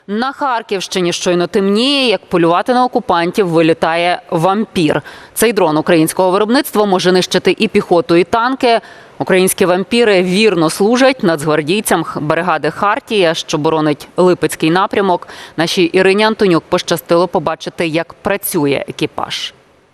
На Харківщині щойно темніє, як полювати на окупантів вилітає «Вампір». Цей дрон українського виробництва може нищити і піхоту, і танки. Українські «Вампіри» вірно служать нацгвардійцям бригади «Хартія», що боронить Липецький напрямок. Нашій Ірині Антонюк пощастило побачити, як працює екіпаж.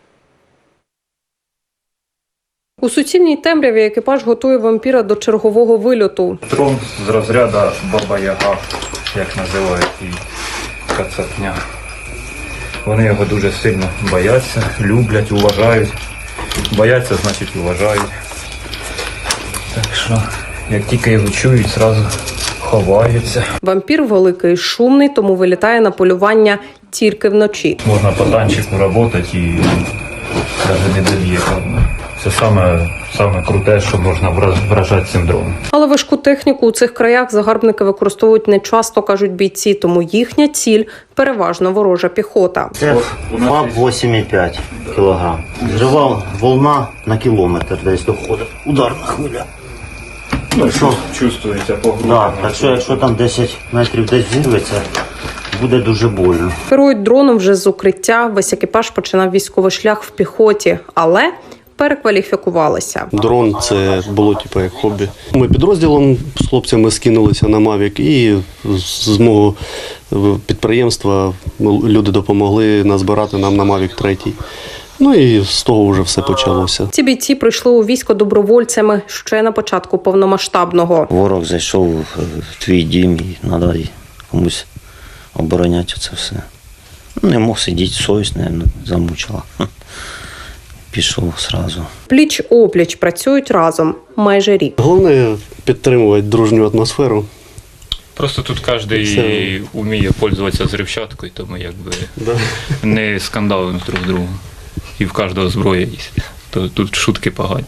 У суцільній темряві екіпаж готує «Вампіра» до чергового вильоту. Дрон з розряду Баба-Яга, як називають її, кацапня. Вони його дуже сильно бояться, люблять, уважають. Бояться, значить уважають. Так що, як тільки його чують, одразу ховаються. «Вампір» великий, шумний, тому вилітає на полювання тільки вночі. Можна по танчику працювати і навіть не доб'є. Це саме круте, що можна вражати цим дроном. Але важку техніку у цих краях загарбники використовують не часто, кажуть бійці, тому їхня ціль – переважно ворожа піхота. Це ФАБ 8,5 кг. Жива волна на кілометр десь доходить. Ударна хвиля. Ну, чувствується по грудям. Да, так що якщо там 10 метрів десь зірветься, буде дуже больно. Керують дроном вже з укриття. Весь екіпаж починав військовий шлях в піхоті, але перекваліфікувалися. Дрон – це було як хобі. Ми підрозділом з хлопцями скинулися на Mavic і з мого підприємства люди допомогли назбирати нам на Mavic 3. Ну і з того вже все почалося. Ці бійці прийшли у військо добровольцями ще на початку повномасштабного. Ворог зайшов в твій дім і треба комусь обороняти це все. Не мог сидіти, совість, мабуть, замучила. Пішов одразу. Пліч-опліч працюють разом майже рік. Головне – підтримувати дружню атмосферу. Просто тут кожен вміє пользуватися взривчаткою, тому не скандалимо друг з другом. І в кожного зброя є. То тут шутки погані.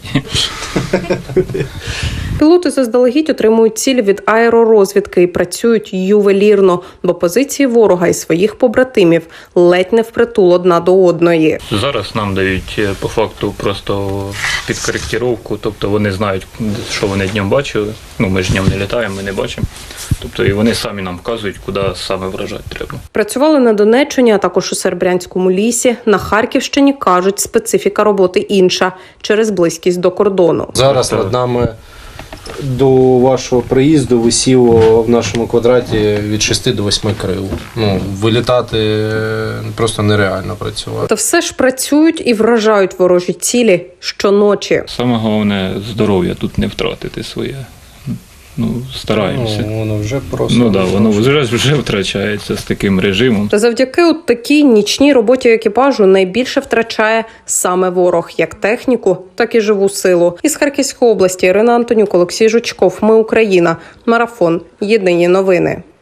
Пілоти заздалегідь отримують цілі від аеророзвідки і працюють ювелірно, бо позиції ворога і своїх побратимів ледь не впритул одна до одної. Зараз нам дають по факту просто підкоректировку, тобто вони знають, що вони днем бачили. Ну, ми ж днем не літаємо, ми не бачимо. Тобто і вони самі нам вказують, куди саме вражати треба. Працювали на Донеччині, а також у Серебрянському лісі. На Харківщині, кажуть, специфіка роботи інша через близькість до кордону. Зараз над нами до вашого приїзду висіло в нашому квадраті від 6 до 8 крил. Вилітати просто нереально працювати. Та все ж працюють і вражають ворожі цілі щоночі. Саме головне – здоров'я тут не втратити своє. Стараємося. Воно вже просто... воно вже втрачається з таким режимом. Та завдяки от такій нічній роботі екіпажу найбільше втрачає саме ворог, як техніку, так і живу силу. Із Харківської області Ірина Антонюк, Олексій Жучков. Ми Україна. Марафон. Єдині новини.